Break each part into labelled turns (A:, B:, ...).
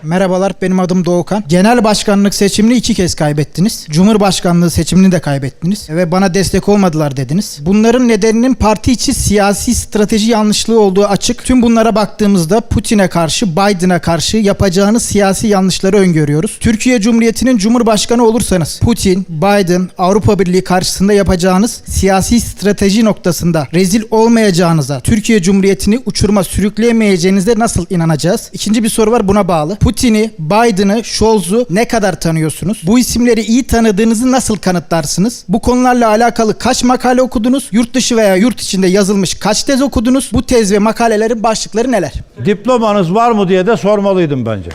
A: Merhabalar, benim adım Doğukan. Genel başkanlık seçimini 2 kez kaybettiniz. Cumhurbaşkanlığı seçimini de kaybettiniz. Ve bana destek olmadılar dediniz. Bunların nedeninin parti içi siyasi strateji yanlışlığı olduğu açık. Tüm bunlara baktığımızda Putin'e karşı, Biden'a karşı yapacağınız siyasi yanlışları öngörüyoruz. Türkiye Cumhuriyeti'nin Cumhurbaşkanı olursanız Putin, Biden, Avrupa Birliği karşısında yapacağınız siyasi strateji noktasında rezil olmayacağınıza, Türkiye Cumhuriyeti'ni uçuruma sürükleyemeyeceğinize nasıl inanacağız? İkinci bir soru var buna bağlı. Putin'i, Biden'ı, Scholz'u ne kadar tanıyorsunuz? Bu isimleri iyi tanıdığınızı nasıl kanıtlarsınız? Bu konularla alakalı kaç makale okudunuz? Yurt dışı veya yurt içinde yazılmış kaç tez okudunuz? Bu tez ve makalelerin başlıkları neler?
B: Diplomanız var mı diye de sormalıydım bence.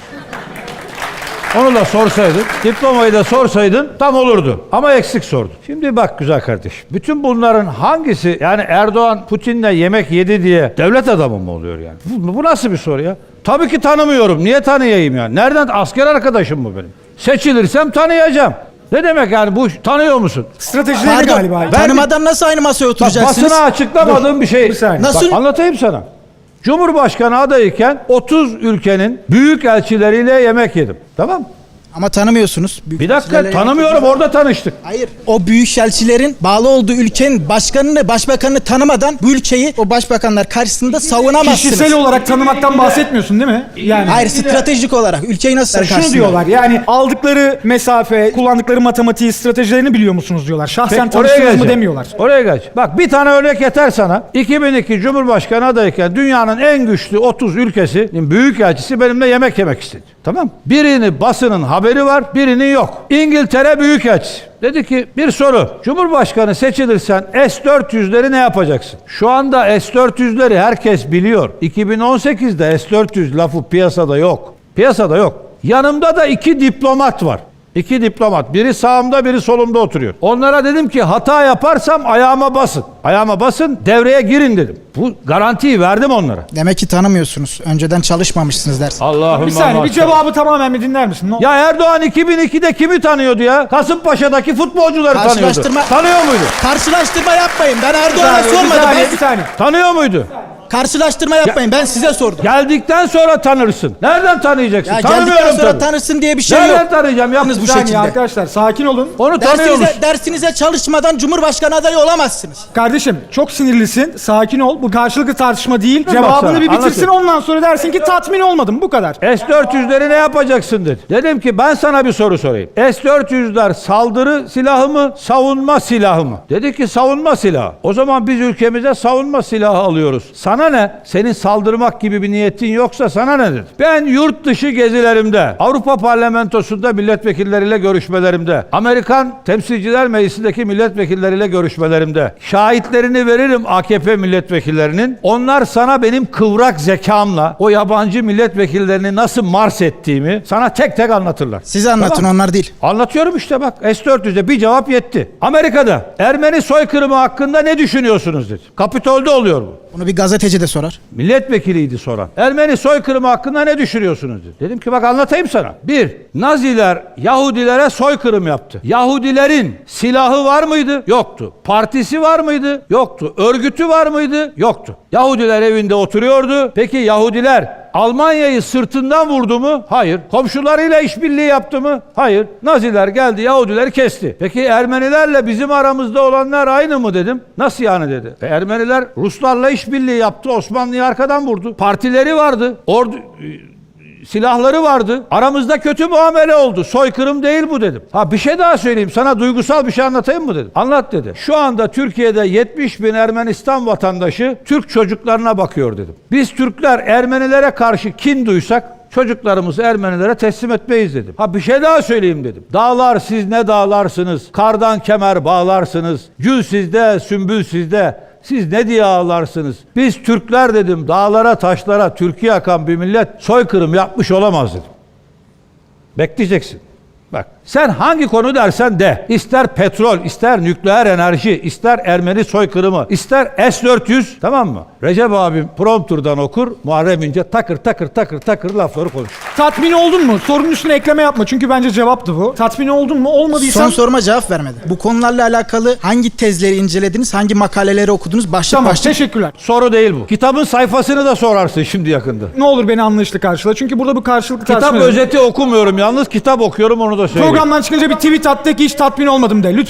B: Onu da sorsaydın, diplomayı da sorsaydın tam olurdu. Ama eksik sordun. Şimdi bak güzel kardeşim. Bütün bunların hangisi, yani Erdoğan Putin'le yemek yedi diye devlet adamı mı oluyor yani? Bu nasıl bir soru ya? Tabii ki tanımıyorum. Niye tanıyayım yani? Nereden? Asker arkadaşım mı benim? Seçilirsem tanıyacağım. Ne demek yani bu, tanıyor musun?
C: Stratejileri galiba.
A: Tanımadan nasıl aynı masaya
B: Bak,
A: oturacaksınız?
B: basına açıklamadığım bir şey.
A: Nasıl?
B: Bak, anlatayım sana. Cumhurbaşkanı adayken 30 ülkenin büyük elçileriyle yemek yedim. Tamam mı?
A: Ama tanımıyorsunuz.
B: Bir dakika, tanımıyorum, orada tanıştık.
A: Hayır. O büyükelçilerin bağlı olduğu ülkenin başkanını, başbakanını tanımadan bu ülkeyi o başbakanlar karşısında savunamazsınız.
C: Kişisel olarak tanımaktan bahsetmiyorsun değil mi? Yani
A: Hayır, stratejik olarak ülkeyi nasıl
C: şunu
A: karşısında?
C: diyorlar, yani aldıkları mesafe, kullandıkları matematiği, stratejilerini biliyor musunuz diyorlar. Şahsen tanıştınız mı demiyorlar.
B: Oraya geç. Bak bir tane örnek yeter sana. 2002 Cumhurbaşkanı adayken dünyanın en güçlü 30 ülkesinin büyükelçisi benimle yemek yemek istedi. Tamam. Birini basının haberi var, birinin yok. İngiltere Büyükelçisi. Dedi ki bir soru. Cumhurbaşkanı seçilirsen S-400'leri ne yapacaksın? Şu anda S-400'leri herkes biliyor. 2018'de S-400 lafı piyasada yok. Piyasada yok. Yanımda da 2 diplomat var. 2 diplomat. Biri sağımda, biri solumda oturuyor. Onlara dedim ki hata yaparsam ayağıma basın. Ayağıma basın, devreye girin dedim. Bu garantiyi verdim onlara.
A: Demek ki tanımıyorsunuz. Önceden çalışmamışsınız dersin.
B: Allah'ım.
C: Bir saniye, bir cevabı tamamen bir dinler misin?
B: Ya Erdoğan 2002'de kimi tanıyordu ya? Kasımpaşa'daki futbolcuları tanıyordu. Tanıyor muydu?
A: Karşılaştırma yapmayın. Ben Erdoğan'a sormadım.
C: Bir saniye.
B: Tanıyor muydu?
A: Karşılaştırma yapmayın. Ben size sordum.
B: Geldikten sonra tanırsın. Nereden tanıyacaksın?
A: Ya
B: Tanımıyorum
A: geldikten sonra
B: tabii.
A: tanırsın diye bir şey
B: Nereden
A: yok.
B: tanıyacağım?
A: Yalnız bu
C: Bir saniye
A: şekilde.
C: arkadaşlar, sakin olun.
B: Onu tanıyor musun?
A: Dersinize çalışmadan Cumhurbaşkanı adayı olamazsınız.
C: Kardeşim çok sinirlisin, sakin ol. Bu karşılıklı tartışma değil.
B: Bak
C: Cevabını
B: sana,
C: bir bitirsin,
B: anlatayım.
C: ondan sonra dersin ki tatmin olmadım. Bu kadar.
B: S-400'leri ne yapacaksın dedi. Dedim ki ben sana bir soru sorayım. S-400'ler saldırı silahı mı, savunma silahı mı? Dedi ki savunma silahı. O zaman biz ülkemize savunma silahı alıyoruz. Sana ne? Senin saldırmak gibi bir niyetin yoksa sana ne dedi. Ben yurt dışı gezilerimde, Avrupa Parlamentosu'nda milletvekilleriyle görüşmelerimde, Amerikan Temsilciler Meclisi'ndeki milletvekilleriyle görüşmelerimde, şahitlerini veririm AKP milletvekillerinin. Onlar sana benim kıvrak zekamla o yabancı milletvekillerini nasıl mars ettiğimi sana tek tek anlatırlar.
A: Siz anlatın,
B: Tamam.
A: onlar değil.
B: Anlatıyorum işte bak. S-400'e bir cevap yetti. Amerika'da Ermeni soykırımı hakkında ne düşünüyorsunuz dedi. Kapitol'de oluyor bu.
A: Bunu bir gazeteci de sorar.
B: Milletvekiliydi soran. Ermeni soykırımı hakkında ne düşünüyorsunuz dedi. Dedim ki bak anlatayım sana. 1. Naziler Yahudilere soykırım yaptı. Yahudilerin silahı var mıydı? Yoktu. Partisi var mıydı? Yoktu. Örgütü var mıydı? Yoktu. Yahudiler evinde oturuyordu. Peki Yahudiler Almanya'yı sırtından vurdu mu? Hayır. Komşularıyla işbirliği yaptı mı? Hayır. Naziler geldi, Yahudileri kesti. Peki Ermenilerle bizim aramızda olanlar aynı mı dedim. Nasıl yani dedi. Ermeniler Ruslarla işbirliği yaptı, Osmanlı'yı arkadan vurdu. Partileri vardı. Silahları vardı. Aramızda kötü muamele oldu. Soykırım değil bu dedim. Ha bir şey daha söyleyeyim. Sana duygusal bir şey anlatayım mı dedim. Anlat dedi. Şu anda Türkiye'de 70 bin Ermenistan vatandaşı Türk çocuklarına bakıyor dedim. Biz Türkler Ermenilere karşı kin duysak çocuklarımızı Ermenilere teslim etmeyiz dedim. Ha bir şey daha söyleyeyim dedim. Dağlar siz ne dağlarsınız? Kardan kemer bağlarsınız. Gül sizde, sümbül sizde. Siz ne diye ağlarsınız? Biz Türkler dedim dağlara taşlara Türkiye akan bir millet soykırım yapmış olamaz dedim. Bekleyeceksin. Bak Sen hangi konu dersen de, ister petrol, ister nükleer enerji, ister Ermeni soykırımı, ister S-400, tamam mı? Recep abim prompturdan okur, Muharrem İnce takır takır lafları konuşur.
C: Tatmin oldun mu? Sorunun üstüne ekleme yapma çünkü bence cevaptı bu. Tatmin oldun mu? Olmadıysan...
A: Son soruma cevap vermedi. Bu konularla alakalı hangi tezleri incelediniz, hangi makaleleri okudunuz? Başlık
C: Tamam,
A: başlık.
C: teşekkürler.
B: Soru değil bu. Kitabın sayfasını da sorarsın şimdi yakında.
C: Ne olur beni anlayışlı karşıla çünkü burada bu karşılıklı
B: Kitap
C: tartışma.
B: özeti okumuyorum yalnız, kitap okuyorum, onu da söyleyeyim.
C: Programdan çıkınca bir tweet at de ki hiç tatmin olmadım de lütfen.